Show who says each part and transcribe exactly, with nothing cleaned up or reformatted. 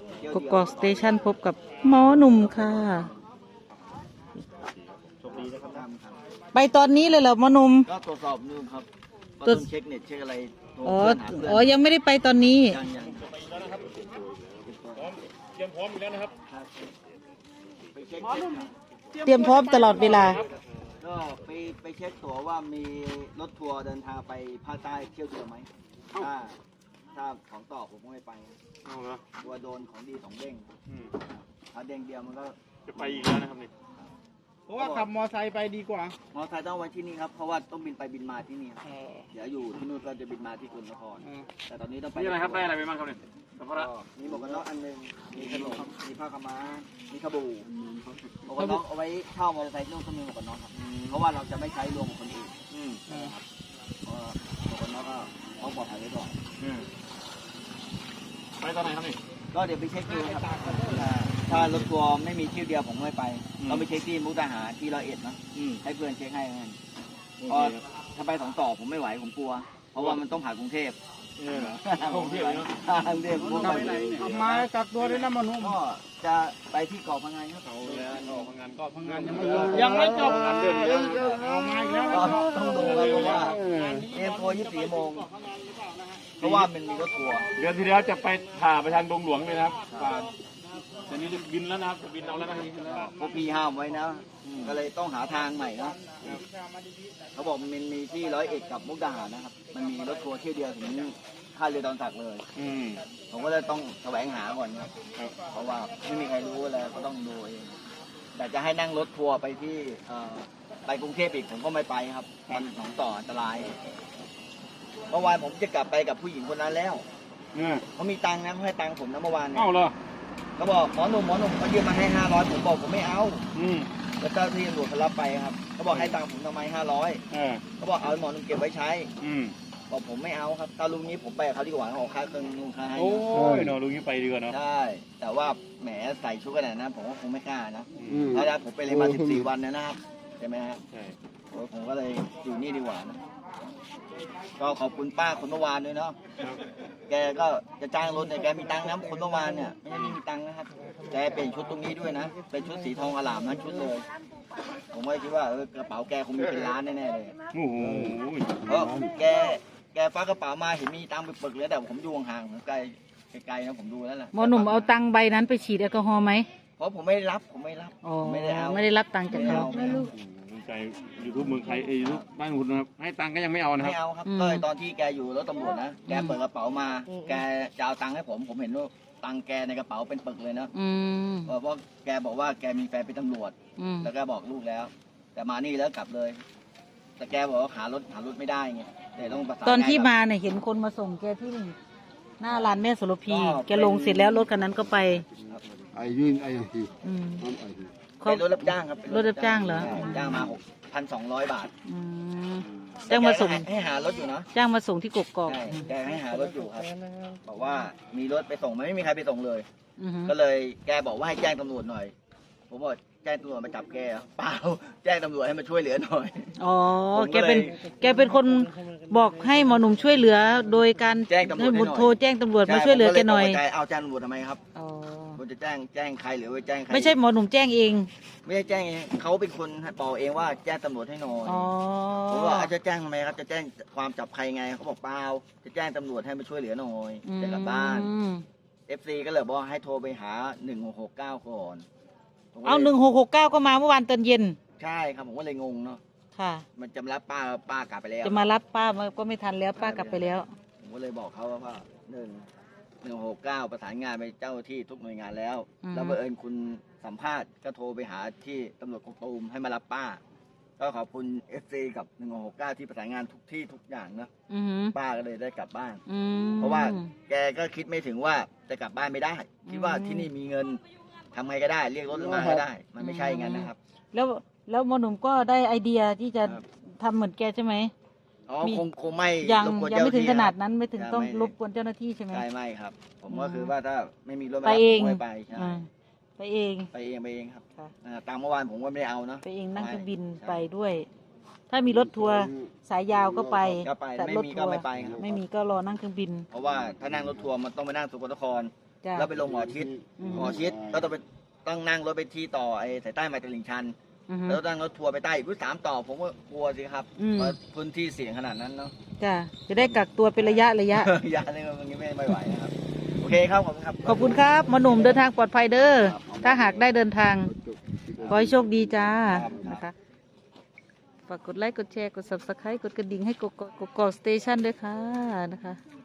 Speaker 1: กกอกสเตชันพบกับหมอหนุ่มค่ะไปตอนนี้เลยเหรอหมอหนุ่ม
Speaker 2: ก็ตรวจสอบนู่นครับตรวจเช็คเน็ตเช็คอะไร
Speaker 1: อ๋ออ๋อยังไม่ได้ไปตอนนี้
Speaker 2: ยังยัง
Speaker 3: เตรียมพร้อมอยู่แล้วนะครับ
Speaker 1: เตรียมพร้อมตลอดเวลา
Speaker 2: ก็ไปไปเช็คตั๋วว่ามีรถทัวร์เดินทางไปภาคใต้เที่ยวเดียวไหมถ้าถ้าของต่อผมก็ไม่ไปกลัวโดนของดีสองเด้งถ้าเด้งเดียวมันก็
Speaker 3: จะไปอีกแล้วนะครับนี่
Speaker 4: เพราะว่าขับมอไซค์ไปดีกว่าม
Speaker 2: อไซค์ต้องไว้ที่นี่ครับเพราะว่าต้องบินไปบินมาที่นี่เดี๋ยวอยู่ที่นู่นก็จะบินมาที่กรุงนครแต่ตอนนี้ต้องไป
Speaker 3: นี่อะไรครับได้อะไรไปบ้างครับเนี่ยสัมภาระ
Speaker 2: มีหมวกกันน็อกอันหนึ่งมีขนมมีผ้าขม้ามีขบูหมวกกันน็อกเอาไว้เช่ามอเตอร์ไซค์นู่นก็มีหมวกกันน็อกครับเพราะว่าเราจะไม่ใช้รวมกับคนอื่นครับเพราะหมวกกันน็อกก็ต้องปลอดภัยไว้ก่อน
Speaker 3: ไปตอนไหนครับนี่
Speaker 2: ก็เดี๋ยวไปเช็คดูครับถ้ารถทัวร์ไม่มีที่เดียวผมไม่ไปต้องไปเช็คที่มุกดาหารที่ร้อยเอ็ดนะให้เพื่อนเช็คให้กันเพราะถ้าไปสองต่อผมไม่ไหวผมกลัวเพราะว่ามันต้องผ่านกรุงเทพ
Speaker 3: กรุงเทพเนาะ
Speaker 2: กรุงเทพ
Speaker 4: ทำมากักตัวด้วยนะมนุษย์
Speaker 2: ก็จะไปที่เกาะพังงานครับ
Speaker 3: เขาแล้วเกาะพังงานเกาะพังงานยังไม่
Speaker 4: ยังไม่จบ
Speaker 3: เดินยัง
Speaker 4: เอามาอีกแล้ว
Speaker 2: ต้องดูเลยเพราะว่าเอ็มโฟยี่สิบสี่โมงเพราะว่ามันมีรถทัวร์
Speaker 3: เดือนที่แล้วจะไปผ่าไปทางดงหลวงเลยนะครับแต่นี้จะบินแล้วนะครับจะบินเอาแล้วนะครับ
Speaker 2: พวกพี่ห้ามไว้นะก็เลยต้องหาทางใหม่นะเขาบอกมันมีที่ร้อยเอ็ดกับมุกดาหารนะครับมันมีรถทัวร์เที่ยวเดียวถึงท่าเรือดอนสักเลยผมก็เลยต้องแสวงหาก่อนครับเพราะว่าไม่มีใครรู้อะไรก็ต้องดูเองแต่จะให้นั่งรถทัวร์ไปที่ไปกรุงเทพอีกผมก็ไม่ไปครับมันหนองต่ออันตรายเมื่อวานผมจะกลับไปกับผู้หญิงคนนั้นแล้วเขามีตังค์นะเขาให้ตังค์ผมนะเมื่อวานเนี่ย
Speaker 3: เอ้าเหรอ
Speaker 2: เขาบอกหมอหนุ่มหมอหนุ่มเขายืมมาให้ห้าร้อยผมบอกผมไม่เอาแล้วเจ้าที่ตำรวจเขารับไปครับเขาบอกให้ตังค์ผมทำไมห้าร้อยเขาบอกเอาหมอหนุ่มเก็บไว้ใช้บอกผมไม่เอาครับถ้าลุงนี้ผมไปกับเขาดีกว่าเขาค่าเครื่องนุ่งค่าให้
Speaker 3: โอ้ยเนาะลุงนี้ไปดีกว่าเนาะ
Speaker 2: ใช่แต่ว่าแหมใส่ชุดขนาดนั้นผมก็คงไม่กล้านะเพราะว่าผมไปเลยมาสิบสี่วันนะครับใช่ไหมครับใช่ผมก็เลยอยู่นี่ดีกว่านะก็ขอบคุณป้าคนเมื่อวานด้วยเนาะแกก็จะจ้างรถเนี่ยแกมีตังค์นะคนเมื่อวานเนี่ยไม่ใช่ไม่มีตังค์นะครับแกเปลี่ยนชุดตรงนี้ด้วยนะเป็นชุดสีทองอลามนะชุดเลยผมก็คิดว่าเออกระเป๋าแกคงมีเป็นล้านแน่ๆเลย
Speaker 3: โอ้โห
Speaker 2: เพราะแกแกฟ้ากระเป๋ามาเห็นมีตังค์ไปปึกเลยแต่ผมอยู่ห่างๆผมไกลไกลนะผมดูแล้วแหละ
Speaker 1: หมอหนุ่มเอาตังค์ใบนั้นไปฉีดแอลกอฮอล์ไหม
Speaker 2: เพราะผมไม่รับผมไม่รับ
Speaker 1: ไม่ได้เอาไม่ได้รับตังค์จากเขา
Speaker 3: ใจยูทูบเมืองไทยยูทูบบ้านคุณนะครับให้ตังค์ก็ยังไม่เอานะครับ
Speaker 2: ไม่เอาครับก็ตอนที่แกอยู่รถตำรวจนะแกเปิดกระเป๋ามาแกจะเอาตังค์ให้ผมผมเห็นว่าตังค์แกในกระเป๋าเป็นปึกเลยนะเพราะแกบอกว่าแกมีแฟนเป็นตำรวจแล้วแกบอกลูกแล้ว แต่มานี่แล้วกลับเลย แต่แกบอกว่าหารถหารถไม่ได้ไงแต่ต้องประสาน
Speaker 1: ตอนที่มาเนี่ยเห็นคนมาส่งแกที่หน้าร้านแม่โสระพีแกลงเสร็จแล้วรถคันนั้นก็ไป
Speaker 5: ไอ้ยื่นไอ้ที
Speaker 2: เป็นรถรับจ้างครับ
Speaker 1: รถรับจ้างเหรอ
Speaker 2: จ้างมาหกพันสองร้อยบาท
Speaker 1: จ้างมาส่ง
Speaker 2: ให้หารถอยู่นะ
Speaker 1: จ้างมาส่งที่กกอก
Speaker 2: แกให้หารถอยู่ครับบอกว่ามีรถไปส่งมันไม่มีใครไปส่งเลยก็เลยแกบอกว่าให้แจ้งตำรวจหน่อยผมบอกแจ้งตำรวจมาจับแกเปล่าแจ้งตำรวจให้มาช่วยเหลือหน่อย
Speaker 1: อ๋อแกเป็นแกเป็นคนบอกให้หมอหนุ่มช่วยเหลือโดยการ
Speaker 2: แจ้งตำรวจ
Speaker 1: โทรแจ้งตำรวจมาช่วยเหลือแกหน่อย
Speaker 2: เอาแจ้งตำรวจทำไมครับผมจะแจ้งแจ้งใครหรือว่าแจ้งใคร
Speaker 1: ไม่ใช่หมอหนุ่มแจ้งเอง
Speaker 2: ไม่ใช่แจ้งเองเขาเป็นคนบอกเองว่าแจ้งตำรวจให้หน่อยผมว่าจะแจ้งทำไมครับจะแจ้งความจับใครไงเขาบอกเปล่าจะแจ้งตำรวจให้มาช่วยเหลือหน่อยจะกลับบ้านเอฟซีก็เลยบอกให้โทรไปหาหนึ่งหกหกเก้าก่อน
Speaker 1: เอาหนึ่งหกหกเก้าก็มาเมื่อวานตอนเย็น
Speaker 2: ใช่ครับผมก็เลยงงเนาะ
Speaker 1: ค่ะ
Speaker 2: มันจะมารับป้าป้ากลับไปแล้ว
Speaker 1: จะมารับป้าก็ไม่ทันแล้วป้ากลับไปแล้ว
Speaker 2: ผมก็เลยบอกเขาว่าหนึ่งหนึ่งหกเก้าประสานงานไปเจ้าที่ทุกหน่วยงานแล้วแล้วบังเอิญคุณสัมภาษณ์ก็โทรไปหาที่ตำรวจกองตูมให้มารับป้าก็ขอบคุณเอฟซีกับหนึ่งหกเก้าที่ประสานงานทุกที่ทุกอย่างนะป้าก็เลยได้กลับบ้านเพราะว่าแกก็คิดไม่ถึงว่าจะกลับบ้านไม่ได้คิดว่าที่นี่มีเงินทำไงก็ได้เรียกรถมาก็ได้มันไม่ใช่งั้นนะครับ
Speaker 1: แล้วแล้วหมอหนุ่มก็ได้ไอเดียที่จะทำเหมือนแกใช่ไหม
Speaker 2: อ๋อคงคงไม่
Speaker 1: ยังยังไม่ถึงขนาดนั้นไม่ถึงต้องรบกวนเจ้าหน้าที่ใช่ไหม
Speaker 2: ใช่ไม่ครับผมก็คือว่าถ้าไม่มีรถ
Speaker 1: ไปเอง
Speaker 2: ไปใช่
Speaker 1: ไปเอง
Speaker 2: ไปเองไปเองครับตามเมื่อวานผมก็ไม่ได้เอานะ
Speaker 1: ไปเองนั่งเครื่องบินไปด้วยถ้ามีรถทัวร์สายยาวก็ไป
Speaker 2: แต่รถทัวร์ไม่ไปครับ
Speaker 1: ไม่มีก็รอนั่งเครื่องบิน
Speaker 2: เพราะว่าถ้านั่งรถทัวร์มันต้องไปนั่งสุโขทัย
Speaker 1: จ้ะ
Speaker 2: แล้วไปลงหมอชิด
Speaker 1: อืม
Speaker 2: หมอชิดแล้วต้องไปต้องนั่งรถไปที่ต่อไอ้สายใต้มาตลิ่งชัน
Speaker 1: อือฮึ
Speaker 2: แล้วนั่งรถทัวร์ไปใต้อีกสามต่อผมก็กลัวสิครับ
Speaker 1: อืม
Speaker 2: เพราะพื้นที่เสี่ยงขนาดนั้นเนาะ
Speaker 1: จ้ะจะได้กักตัวเป็นระยะระยะ
Speaker 2: ยาเนี่ยมันไม่ไม่ไหวนะครับโอเคครับขอบคุณครับ
Speaker 1: ขอบคุณครับหมอหนุ่มเดินทางปลอดภัยเด้อ
Speaker 2: ครับ
Speaker 1: ถ้าหากได้เดินทาง ขอให้โชคดีจ้า
Speaker 2: ครับ
Speaker 1: นะคะ ฝากกดไลค์ กดแชร์ กด ซับสไครบ์ กดกระดิ่งให้กกกกอกสเตชันด้วยค่ะนะคะ